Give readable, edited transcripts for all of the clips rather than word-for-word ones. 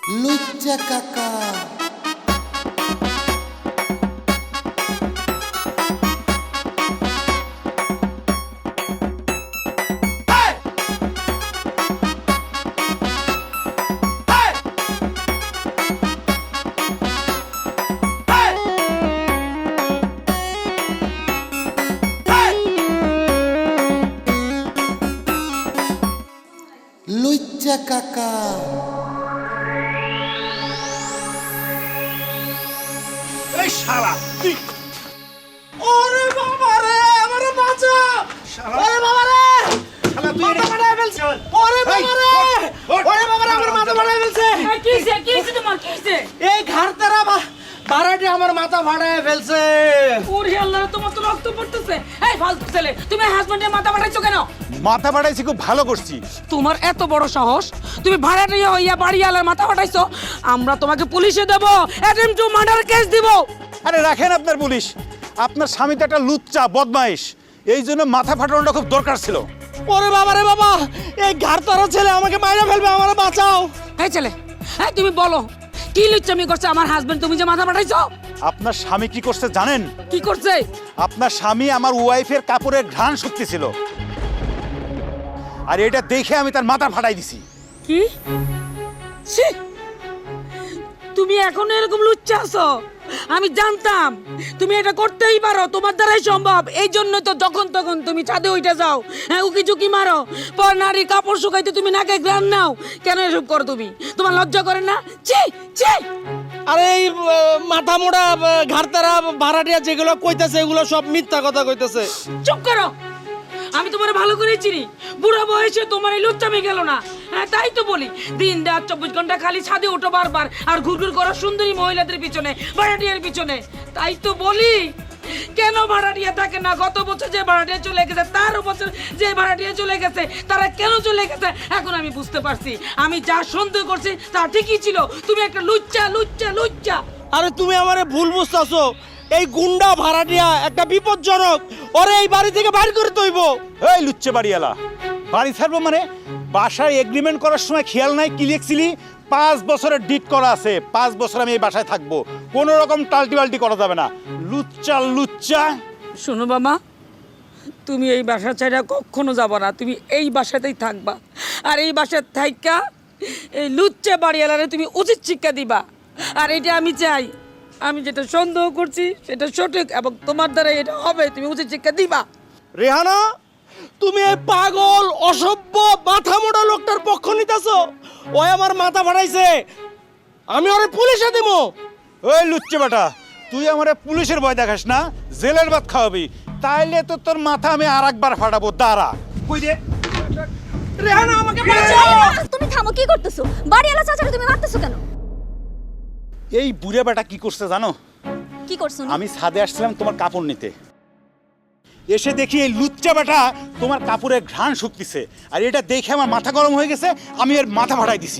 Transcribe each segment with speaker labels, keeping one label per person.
Speaker 1: লুচ্চা কাকা। লুচ্চা কাকা।
Speaker 2: এই শালা তুই
Speaker 3: ওরে বাবা রে আমারে বাঁচা ওরে বাবা রে
Speaker 2: শালা তুই
Speaker 3: মাথা ফাটায় ফেলছে ওরে বাবা রে ওরে বাবা রে আমার মাথা ফাটায় ফেলছে
Speaker 4: কিসে তোমার কিসে?
Speaker 3: এই ঘাড়তারা বারাটি আমার মাথা ফাটায় ফেলছে
Speaker 4: ওরে আল্লাহ, তোমার তো রক্ত পড়তেছে। এই ফালতু ছেলে, তুমি হাজবেন্ডের মাথা ফাটাইছো কেন?
Speaker 2: মাথা ফাটাইছি, খুব ভালো করছি।
Speaker 4: তোমার এত বড় সাহস, তুমি ভাড়াটিয়া হইয়া বাড়িওয়ালার মাথা ফাটাইছো? আমরা তোমাকে পুলিশে দেব, অ্যাটেম্পট টু মার্ডার কেস দিব।
Speaker 2: আরে রাখেন আপনার পুলিশ, আপনার স্বামী তো একটা লুচ্চা বদমাইশ, এই জন্য মাথা ফাটানোটা খুব দরকার ছিল।
Speaker 3: ওরে বাবা রে বাবা, এই ঘাড়তারা ছেলে আমাকে মাইরা ফেলবে, আমারে বাঁচাও।
Speaker 4: এই ছেলে, এই তুমি বলো কি লুচ্চামি করছে আমার হাজবেন্ড, তুমি যে মাথা ফাটাইছো?
Speaker 2: আপনার স্বামী কি করছে জানেন?
Speaker 4: কি করছে?
Speaker 2: আপনার স্বামী আমার ওয়াইফের কাপড়ের ঘ্রাণ শক্তি ছিল, আর এটা দেখে আমি তার মাথা ফাটাই দিছি।
Speaker 4: কি? ছি! তুমি এখন এরকম লুচ্চা আছো? আমি জানতাম তুমি এটা করতেই পারো, তোমার দ্বারাই সম্ভব। এই জন্য তো যখন তখন তুমি ছাদে উঠে যাও, হ্যাঁ, উকি ঝুঁকি মারো, পর নারীর কাপড় শুকাইতে তুমি নাকে গ্রান নাও। কেন এসব করো তুমি? তোমার লজ্জা করে না? ছি ছি!
Speaker 3: আরে এই মাথা মোড়া ঘাড়তারা ভাড়াটিয়া যেগুলো কইতাছে এগুলো সব মিথ্যা কথা কইতাছে।
Speaker 4: চুপ করো, আমি তোমার ভালো করে চিনি। বুড়া বয়সে তোমার এই লুচ্চামি গেল না। হ্যাঁ, তাই তো বলি, দিন রাত 24 ঘন্টা খালি ছাদে ওঠো বারবার, আর ঘুরঘুর করো সুন্দরী মহিলাদের পিছনে, ভাড়াটিয়ার পিছনে। তাই তো বলি, কেন ভাড়াটিয়া থাকে না? গত বছর যে ভাড়াটিয়া চলে গেছে, তার বছর যে ভাড়াটিয়া চলে গেছে, তারা কেন চলে গেছে এখন আমি বুঝতে পারছি। আমি যা সন্দেহ করছি তা ঠিকই ছিল, তুমি একটা লুচ্চা লুচ্চা লুচ্চা।
Speaker 3: আরে তুমি আমারে ভুল বুঝতাছো, এই গুন্ডা ভাড়াটিয়া একটা বিপজ্জনক, ওরে এই বাড়ি থেকে বাইর করে তৈব।
Speaker 2: এই লুচ্চে বাড়িওয়ালা, বাড়ি ছাড়বো মানে? বাসায় এগ্রিমেন্ট করার সময় খেয়াল নাই কি লিখছিলি? 5 বছরের ডিট করা আছে, 5 বছর আমি এই বাসায় থাকবো, কোনো রকম টাল্টি বাল্টি করা যাবে না। লুচ্চা লুচ্চা।
Speaker 4: শোনো বাবা, তুমি এই বাসা ছাড়া কখনো যাবো না, তুমি এই বাসাতেই থাকবা। আর এই বাসার থাইকা এই লুচ্চা বাড়িওয়ালারে তুমি উচিত শিক্ষা দিবা। আর এটা আমি চাই, আমি যেটা সন্দেহ করছি সেটা সঠিক, এবং তোমার দ্বারা এটা হবে, তুমি উচিত শিক্ষা দিবা।
Speaker 3: রেহানা, তুমি এই পাগল অসভ্য মাথা মোটা লোকটার পক্ষ নিতেছো? ওই আমার মাথা ফাটাইছে, আমি ওরে পুলিশে দেব।
Speaker 2: ওই লুচ্চে বেটা, তুই আমারে পুলিশের ভয় দেখাস না, জেলের ভাত খাওয়াবি, তাইলে তো তোর মাথা আমি আর একবার ফাটাবো। দাঁড়া। কই দে।
Speaker 3: রেহানা আমাকে বাঁচাও।
Speaker 5: তুমি থামো, কি করতেছো? বাড়িওয়ালা চাচারে তুমি মারতেছো কেন?
Speaker 2: এই বুড়ে বেটা কি করছে জানো?
Speaker 5: কি করছো?
Speaker 2: আমি ছাদে আসছিলাম তোমার কাপড় নিতে, এসে দেখি এই লুচ্চা বেটা তোমার কাপড়ের ঘ্রাণ শুকতিছে, আর এটা দেখে আমার মাথা গরম হয়ে গেছে, আমি এর মাথা ফাটাই দিছি।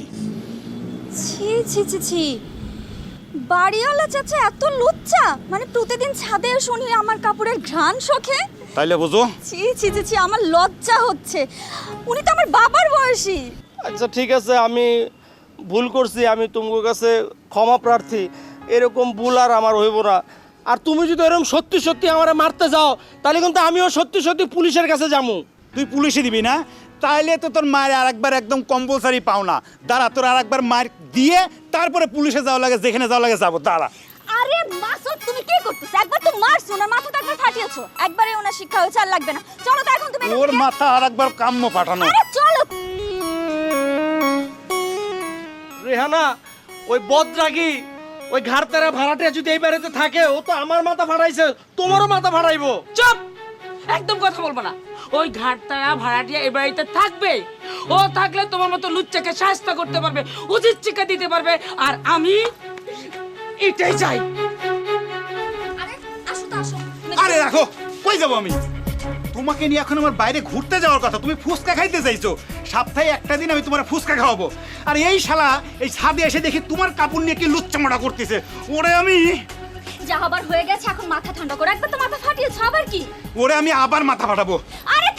Speaker 5: ছি ছি ছি ছি, বাড়িওয়ালা চাচা এত লুচ্চা? মানে প্রতিদিন ছাদে শুনি আমার কাপড়ের ঘ্রাণ শোকে।
Speaker 2: তাইলে বুঝো।
Speaker 5: ছি ছি ছি ছি, আমার লজ্জা হচ্ছে। উনি তো আমার বাবার বয়সী।
Speaker 3: আচ্ছা ঠিক আছে, আমি ভুল করছি, আমি তোমার কাছে ক্ষমা প্রার্থী। এরকম ভুল আর আমার হইব না। আর তুমি যদি এরকম সত্যি সত্যি আমারে মারতে যাও, তাহলে কিন্তু আমিও সত্যি সত্যি পুলিশের কাছে যাবো।
Speaker 2: তুই পুলিশে দিবি না? তাইলে তো তোর মায়ের আর একবার একদম কম্পালসারি পাও না। দাঁড়া, তোর আর একবার মার দিয়ে তারপরে পুলিশে যাওয়া লাগে, যেখানে যাওয়া লাগে যাবো। দাঁড়া।
Speaker 5: আরে মাসুদ, তুমি কি করতেছো? একবার তো মারছো, ওনার মাথাটা একবার ফাটিয়েছো। একবারে ওনার শিক্ষা হয়েছে, আর লাগবে না। চলো তো এখন তুমি।
Speaker 2: ওর মাথা আর একবার কাম্য পাঠানো।
Speaker 5: আরে চলো।
Speaker 3: রেহানা, ওই বদরাগী ওই ঘাড়তারা ভাড়াটিয়া যদি এই বাড়িতে থাকে, ও তো আমার মাথা ফাটাইছে, তোমারও মাথা ফাটাইবো।
Speaker 4: চুপ, একদম কথা বলবো না। ওই ঘাটতারা ভাড়াটিয়া এই বাড়িতে থাকবে। ও থাকলে তোমার মতো লুচ্চাকে শাস্তি করতে পারবে, উচিত শিক্ষা দিতে পারবে, আর আমি এটাই চাই।
Speaker 5: আরে আসো তো, আসো।
Speaker 2: আরে রাখো, কই যাবো আমি? তোমাকে নিয়ে এখন আমার বাইরে ঘুরতে যাওয়ার কথা, তুমি ফুচকা খাইতে চাইছো। সপ্তাহে একটা দিন আমি তোমার ফুচকা খাওয়াবো, আর এই শালা এই ছাদে এসে দেখি তোমার কাপড় নিয়ে কি লুচ্চামোটা করতেছে। ওরে আমি
Speaker 5: যা হবার হয়ে গেছে, এখন মাথা ঠান্ডা করো। একবার তো মাথা ফাটিয়েছো, আবার কি?
Speaker 2: ওরে আমি আবার মাথা ফাটাবো।
Speaker 5: আরে